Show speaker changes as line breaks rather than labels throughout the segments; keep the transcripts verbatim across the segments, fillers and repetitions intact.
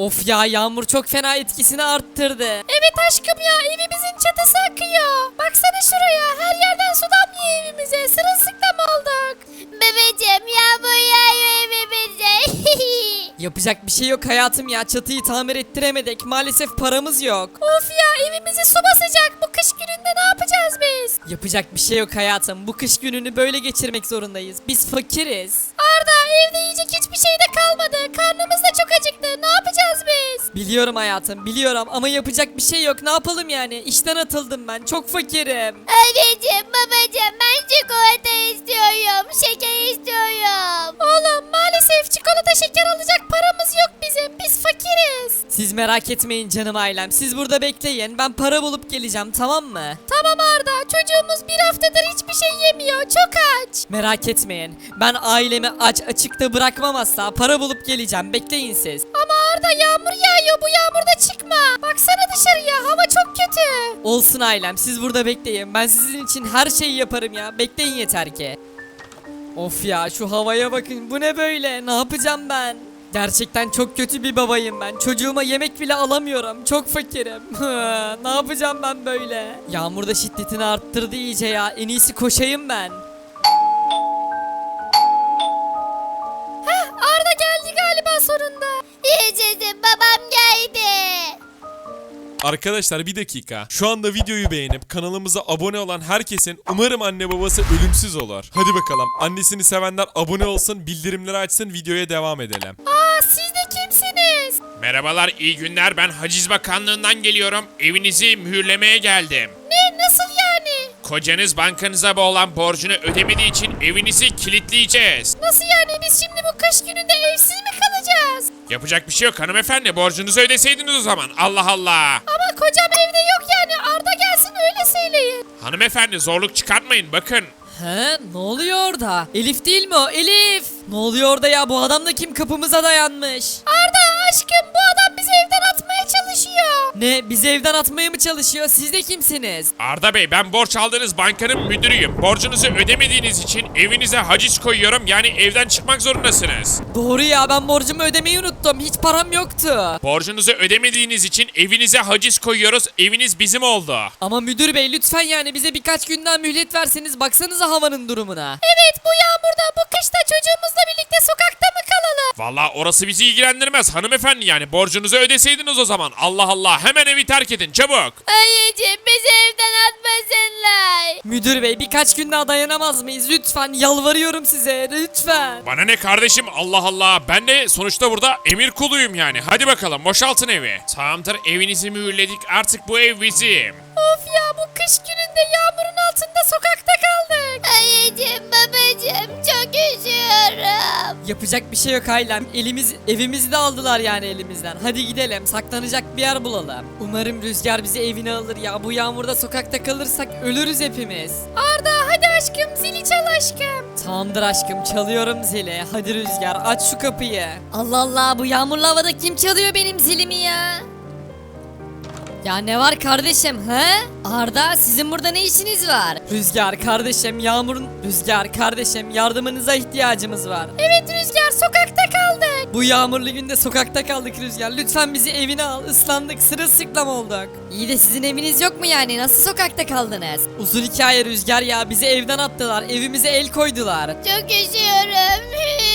Of ya, yağmur çok fena etkisini arttırdı.
Evet aşkım ya, evimizin çatısı akıyor. Baksana şuraya, her yerden su damlıyor evimize. Sırılsıklam olduk. Bebeğim yağmur yağıyor evimize.
Yapacak bir şey yok hayatım ya, çatıyı tamir ettiremedik. Maalesef paramız yok.
Of ya, evimizi su basacak. Bu kış gününde ne yapacağız biz?
Yapacak bir şey yok hayatım. Bu kış gününü böyle geçirmek zorundayız. Biz fakiriz.
Arda, evde yiyecek hiçbir şey de kalmadı. Karnımız da çok acıktı. Ne yapacağız biz?
Biliyorum hayatım, biliyorum ama yapacak bir şey yok. Ne yapalım yani? İşten atıldım ben. Çok fakirim.
Anneciğim, babacığım, ben çikolata istiyorum. Şeker istiyorum. Oğlum, maalesef çikolata şeker alacak paramız yok bizim. Biz fakiriz.
Siz merak etmeyin canım ailem. Siz burada bekleyin. Ben para bulup geleceğim, tamam mı?
Tamam Arda, çocuğumuz bir haftadır hiçbir şey yemiyor. Çok aç.
Merak etmeyin. Ben ailemi aç açıkta bırakmam asla. Para bulup geleceğim. Bekleyin siz.
Ama Arda, yağmur yağıyor. Bu yağmurda çıkma. Baksana dışarıya. Hava çok kötü.
Olsun ailem. Siz burada bekleyin. Ben sizin için her şeyi yaparım ya. Bekleyin yeter ki. Of ya, şu havaya bakın. Bu ne böyle? Ne yapacağım ben? Gerçekten çok kötü bir babayım ben. Çocuğuma yemek bile alamıyorum. Çok fakirim. Ne yapacağım ben böyle? Yağmur da şiddetini arttırdı iyice ya. En iyisi koşayım ben.
Heh, Arda geldi galiba sonunda. Yaşasın, babam geldi.
Arkadaşlar bir dakika. Şu anda videoyu beğenip kanalımıza abone olan herkesin umarım anne babası ölümsüz olur. Hadi bakalım. Annesini sevenler abone olsun, bildirimleri açsın, videoya devam edelim.
Aa, siz de kimsiniz?
Merhabalar, iyi günler. Ben Haciz Bakanlığı'ndan geliyorum. Evinizi mühürlemeye geldim.
Ne, nasıl yani?
Kocanız bankanıza olan borcunu ödemediği için evinizi kilitleyeceğiz.
Nasıl yani, biz şimdi bu kış gününde evsiz mi kalacağız?
Yapacak bir şey yok hanımefendi. Borcunuzu ödeseydiniz o zaman. Allah Allah.
Ama kocam evde yok yani. Arda gelsin öyle söyleyin.
Hanımefendi zorluk çıkartmayın bakın.
He, ne oluyor orada? Elif değil mi o? Elif! Ne oluyor orada ya? Bu adam da kim, kapımıza dayanmış?
Arda aşkım, bu adam bizi evden atmaya çalışıyor.
Ne, bizi evden atmaya mı çalışıyor? Siz de kimsiniz?
Arda Bey, ben borç aldığınız bankanın müdürüyüm. Borcunuzu ödemediğiniz için evinize haciz koyuyorum. Yani evden çıkmak zorundasınız.
Doğru ya, ben borcumu ödemeyi unuttum. Hiç param yoktu.
Borcunuzu ödemediğiniz için evinize haciz koyuyoruz. Eviniz bizim oldu.
Ama müdür bey, lütfen yani bize birkaç günden mühlet verseniz. Baksanıza havanın durumuna.
Evet, bu yağmurda, bu kışta çocuğumuzla birlikte sokakta mı kalalım?
Vallahi orası bizi ilgilendirmez hanımefendi, yani borcunuzu ödeseydiniz o zaman. Allah Allah, hemen evi terk edin çabuk.
Anneciğim, bizi evden atmasınlar.
Müdür bey, birkaç gün daha dayanamaz mıyız? Lütfen, yalvarıyorum size, lütfen.
Bana ne kardeşim, Allah Allah, ben de sonuçta burada emir kuluyum yani. Hadi bakalım boşaltın evi. Tamamdır, evinizi mühürledik, artık bu ev bizim.
Of ya, bu kış gününde yağmurun altında sokakta kaldık. Anneciğim, babacığım, çok üşüyorum.
Yapacak bir şey yok ailem. Elimiz, evimizi de aldılar yani elimizden. Hadi gidelim, saklanacak bir yer bulalım. Umarım Rüzgar bizi evine alır ya. Bu yağmurda sokakta kalırsak ölürüz hepimiz.
Arda, hadi aşkım, zili çal aşkım.
Tamamdır aşkım, çalıyorum zili. Hadi Rüzgar, aç şu kapıyı.
Allah Allah, bu yağmurlu havada kim çalıyor benim zilimi ya?
Ya ne var kardeşim he? Arda, sizin burada ne işiniz var?
Rüzgar kardeşim, Yağmur'un... Rüzgar kardeşim, yardımınıza ihtiyacımız var.
Evet Rüzgar, sokakta kaldık.
Bu yağmurlu günde sokakta kaldık Rüzgar. Lütfen bizi evine al. Islandık, sırılsıklam olduk.
İyi de sizin eviniz yok mu yani? Nasıl sokakta kaldınız?
Uzun hikaye Rüzgar ya. Bizi evden attılar. Evimize el koydular.
Çok üşüyorum.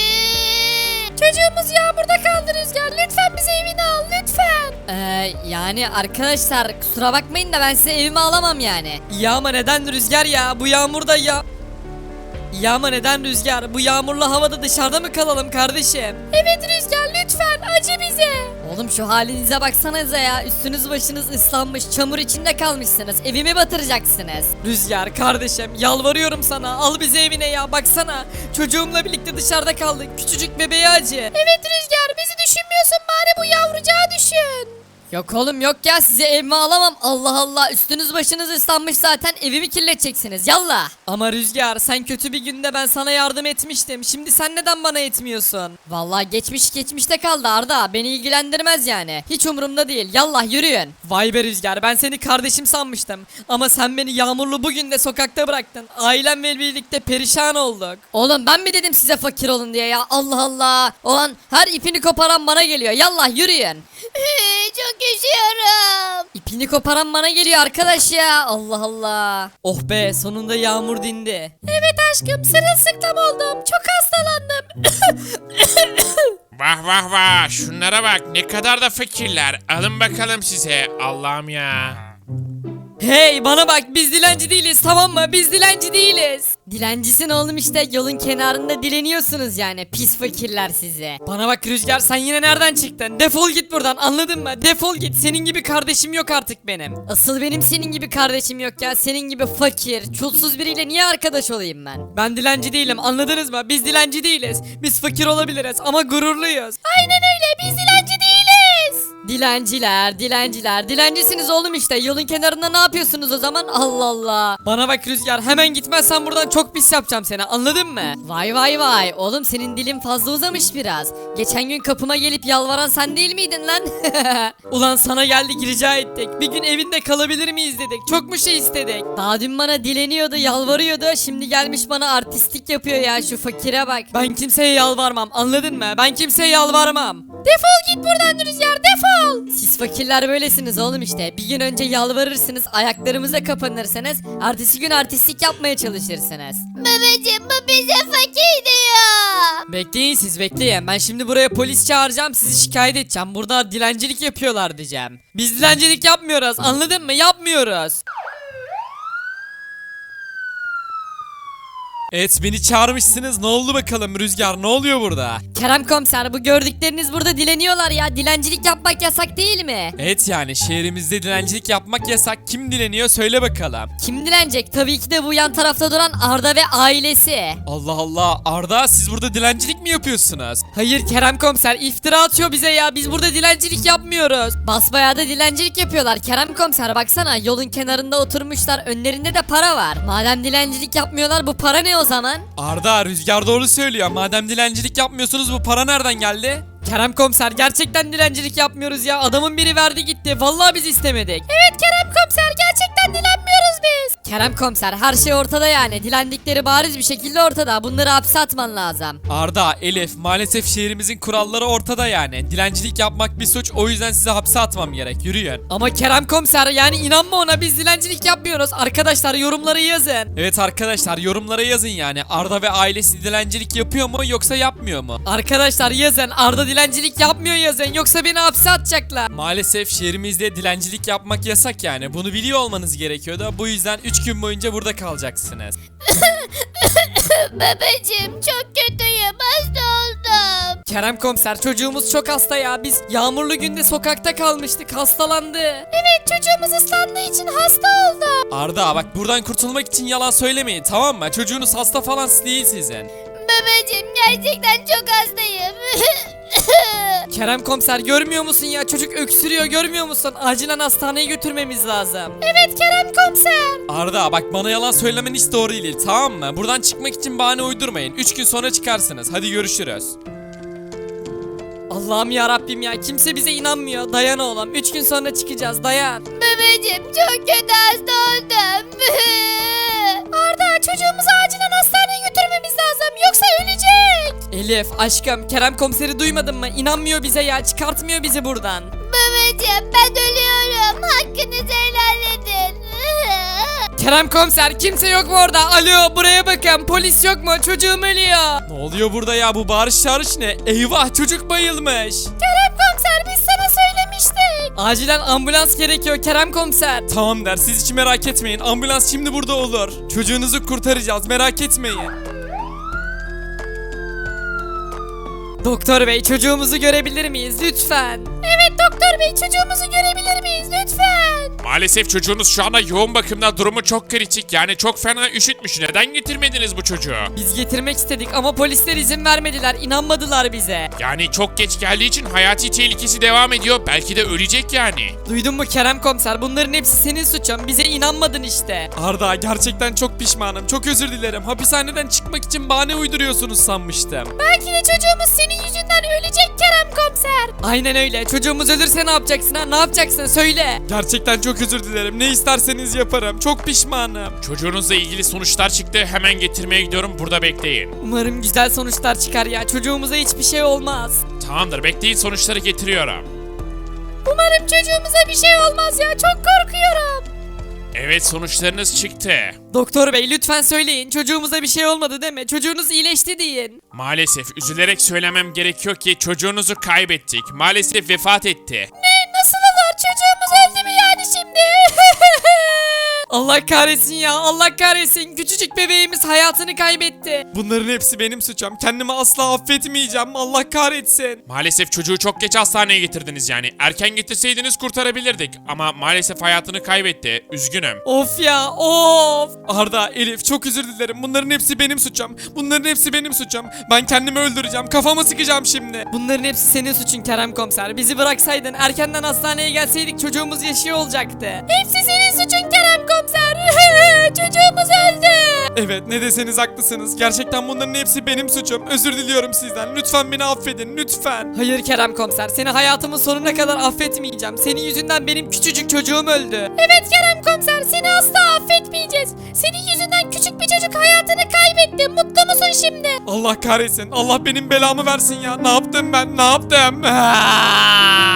Çocuğumuz yağmurda kaldı Rüzgar. Lütfen bizi evine al, lütfen.
Ee, yani arkadaşlar kusura bakmayın da ben size evime alamam yani.
Ya ama neden Rüzgar ya? Bu yağmurda ya... Ya ama neden Rüzgar? Bu yağmurlu havada dışarıda mı kalalım kardeşim?
Evet Rüzgar, lütfen acı bize.
Oğlum şu halinize baksanıza ya. Üstünüz başınız ıslanmış, çamur içinde kalmışsınız. Evimi batıracaksınız.
Rüzgar kardeşim, yalvarıyorum sana. Al bizi evine ya, baksana. Çocuğumla birlikte dışarıda kaldık. Küçücük bebeğe acı.
Evet Rüzgar, bizi düşünmüyorsun, bari bu yavrucağı düşün.
Yok oğlum yok ya size evime alamam. Allah Allah üstünüz başınız ıslanmış zaten evimi kirleteceksiniz yallah.
Ama Rüzgar sen kötü bir günde ben sana yardım etmiştim. Şimdi sen neden bana etmiyorsun?
Vallahi geçmiş geçmişte kaldı Arda beni ilgilendirmez yani. Hiç umurumda değil yallah yürüyün.
Vay be Rüzgar ben seni kardeşim sanmıştım. Ama sen beni yağmurlu bugün de sokakta bıraktın. Ailemle birlikte perişan olduk.
Oğlum ben mi dedim size fakir olun diye ya Allah Allah. Olan her ipini koparan bana geliyor yallah yürüyün.
Çok üşüyorum.
İpini koparan bana geliyor arkadaş ya Allah Allah.
Oh be sonunda yağmur dindi.
Evet aşkım sırılsıklam oldum. Çok hastalandım.
Vah vah vah şunlara bak ne kadar da fakirler. Alın bakalım size Allah'ım ya.
Hey bana bak biz dilenci değiliz tamam mı? Biz dilenci değiliz.
Dilencisin oğlum işte yolun kenarında dileniyorsunuz yani pis fakirler size.
Bana bak Rüzgar sen yine nereden çıktın? Defol git buradan anladın mı? Defol git senin gibi kardeşim yok artık benim.
Asıl benim senin gibi kardeşim yok ya senin gibi fakir çulsuz biriyle niye arkadaş olayım ben?
Ben dilenci değilim anladınız mı? Biz dilenci değiliz. Biz fakir olabiliriz ama gururluyuz.
Aynen öyle biz dilenci değiliz.
Dilenciler dilenciler dilencisiniz oğlum işte yolun kenarında ne yapıyorsunuz o zaman Allah Allah.
Bana bak Rüzgar hemen gitmezsen buradan çok pis yapacağım seni anladın mı?
Vay vay vay oğlum senin dilin fazla uzamış biraz. Geçen gün kapıma gelip yalvaran sen değil miydin lan?
Ulan sana geldik rica ettik. Bir gün evinde kalabilir miyiz dedik. Çok mu şey istedik?
Daha dün bana dileniyordu yalvarıyordu şimdi gelmiş bana artistlik yapıyor ya şu fakire bak.
Ben kimseye yalvarmam anladın mı? Ben kimseye yalvarmam.
Defol git buradan Rüzgar defol.
Siz fakirler böylesiniz oğlum işte. Bir gün önce yalvarırsınız, ayaklarımıza kapanırsınız. Ertesi gün artistlik yapmaya çalışırsınız.
Babacım bu bize fakir diyor.
Bekleyin siz bekleyin. Ben şimdi buraya polis çağıracağım. Sizi şikayet edeceğim. Burada dilencilik yapıyorlar diyeceğim. Biz dilencilik yapmıyoruz. Anladın mı? Yapmıyoruz. Evet beni çağırmışsınız. Ne oldu bakalım Rüzgar? Ne oluyor burada?
Kerem komiser bu gördükleriniz burada dileniyorlar ya. Dilencilik yapmak yasak değil mi?
Evet yani şehrimizde dilencilik yapmak yasak. Kim dileniyor söyle bakalım.
Kim dilenecek? Tabii ki de bu yan tarafta duran Arda ve ailesi.
Allah Allah Arda siz burada dilencilik mi yapıyorsunuz?
Hayır Kerem komiser iftira atıyor bize ya. Biz burada dilencilik yapmıyoruz.
Basbayağı da dilencilik yapıyorlar. Kerem komiser baksana yolun kenarında oturmuşlar. Önlerinde de para var. Madem dilencilik yapmıyorlar bu para ne o zaman?
Arda Rüzgar doğru söylüyor. Madem dilencilik yapmıyorsunuz bu para nereden geldi?
Kerem komiser gerçekten dilencilik yapmıyoruz ya. Adamın biri verdi gitti. Vallahi biz istemedik.
Evet Kerem komiser gerçekten dilenmiyoruz biz.
Kerem komiser her şey ortada yani. Dilendikleri bariz bir şekilde ortada. Bunları hapse atman lazım.
Arda, Elif maalesef şehrimizin kuralları ortada yani. Dilencilik yapmak bir suç o yüzden size hapse atmam gerek. Yürüyün.
Ama Kerem komiser yani inanma ona biz dilencilik yapmıyoruz. Arkadaşlar yorumları yazın.
Evet arkadaşlar yorumlara yazın yani. Arda ve ailesi dilencilik yapıyor mu yoksa yapmıyor mu?
Arkadaşlar yazın Arda dilencilik yapmıyor yazın yoksa beni hapse atacaklar.
Maalesef şehrimizde dilencilik yapmak yasak yani. Bunu biliyor olmanız gerekiyordu. Bu yüzden üç gün boyunca burada kalacaksınız.
Babacım çok kötüyüm hasta oldum.
Kerem komiser çocuğumuz çok hasta ya. Biz yağmurlu günde sokakta kalmıştık hastalandı.
Evet çocuğumuz ıslandığı için hasta oldu.
Arda bak buradan kurtulmak için yalan söylemeyin tamam mı? Çocuğunuz hasta falan değil sizin.
Babacım gerçekten çok hastayım.
Kerem komiser görmüyor musun ya çocuk öksürüyor görmüyor musun? Acilen hastaneye götürmemiz lazım.
Evet Kerem komiser.
Arda bak bana yalan söylemen hiç doğru değil tamam mı? Buradan çıkmak için bahane uydurmayın. üç gün sonra çıkarsınız. Hadi görüşürüz.
Allah'ım ya Rabbim ya kimse bize inanmıyor. Dayan oğlum üç gün sonra çıkacağız dayan.
Babacım çok kötü hasta oldum. Arda çocuğumuzu acilen hastaneye götürmemiz lazım yoksa ölecek.
Elif aşkım Kerem komiseri duymadın mı? İnanmıyor bize ya çıkartmıyor bizi buradan.
Babacım ben ölüyorum. Hakkınızı helal edin.
Kerem komiser kimse yok mu orada? Alo buraya bakın polis yok mu? Çocuğum ölüyor.
Ne oluyor burada ya bu bağırış çağırış ne? Eyvah çocuk bayılmış.
Kerem komiser biz sana söylemiştik.
Acilen ambulans gerekiyor Kerem komiser.
Tamam der siz hiç merak etmeyin. Ambulans şimdi burada olur. Çocuğunuzu kurtaracağız merak etmeyin.
Doktor bey çocuğumuzu görebilir miyiz lütfen?
Evet doktor bey, çocuğumuzu görebilir miyiz lütfen?
Maalesef çocuğunuz şu anda yoğun bakımda, durumu çok kritik. Yani çok fena üşütmüş. Neden getirmediniz bu çocuğu?
Biz getirmek istedik ama polisler izin vermediler, inanmadılar bize.
Yani çok geç geldiği için hayati tehlikesi devam ediyor. Belki de ölecek yani.
Duydun mu Kerem komiser, bunların hepsi senin suçun, bize inanmadın işte.
Arda, gerçekten çok pişmanım. Çok özür dilerim. Hapishaneden çıkmak için bahane uyduruyorsunuz sanmıştım.
Belki de çocuğumuz senin yüzünden ölecek Kerem komiser.
Aynen öyle, çocuğumuz ölürse ne yapacaksın ha, ne yapacaksın söyle.
Gerçekten çok özür dilerim. Ne isterseniz yaparım. Çok pişmanım.
Çocuğunuzla ilgili sonuçlar çıktı. Hemen getirmeye gidiyorum. Burada bekleyin.
Umarım güzel sonuçlar çıkar ya, çocuğumuza hiçbir şey olmaz.
Tamamdır, bekleyin, sonuçları getiriyorum.
Umarım çocuğumuza bir şey olmaz ya, çok korkuyorum.
Evet, sonuçlarınız çıktı.
Doktor bey lütfen söyleyin, çocuğumuza bir şey olmadı değil mi? Çocuğunuz iyileşti deyin.
Maalesef üzülerek söylemem gerekiyor ki çocuğunuzu kaybettik. Maalesef vefat etti.
Ne, nasıl olur, çocuğumuz öldü mü yani şimdi?
Allah kahretsin ya, Allah kahretsin, küçücük bebeğimiz hayatını kaybetti.
Bunların hepsi benim suçum. Kendimi asla affetmeyeceğim. Allah kahretsin.
Maalesef çocuğu çok geç hastaneye getirdiniz yani. Erken getirseydiniz kurtarabilirdik. Ama maalesef hayatını kaybetti. Üzgünüm.
Of ya, of.
Arda, Elif, çok özür dilerim. Bunların hepsi benim suçum. Bunların hepsi benim suçum. Ben kendimi öldüreceğim. Kafamı sıkacağım şimdi.
Bunların hepsi senin suçun Kerem komiser. Bizi bıraksaydın, erkenden hastaneye gelseydik çocuğumuz yaşıyor olacaktı.
Hepsi senin suçun Kerem komiser. Çocuğumuz öldü.
Evet, ne deseniz haklısınız. Gerçekten bunların hepsi benim suçum. Özür diliyorum sizden. Lütfen beni affedin. Lütfen.
Hayır Kerem komiser, seni hayatımın sonuna kadar affetmeyeceğim. Senin yüzünden benim küçücük çocuğum öldü.
Evet Kerem komiser, seni asla affetmeyeceğiz. Senin yüzünden küçük bir çocuk hayatını kaybetti. Mutlu musun şimdi?
Allah kahretsin. Allah benim belamı versin ya. Ne yaptım ben? Ne yaptım?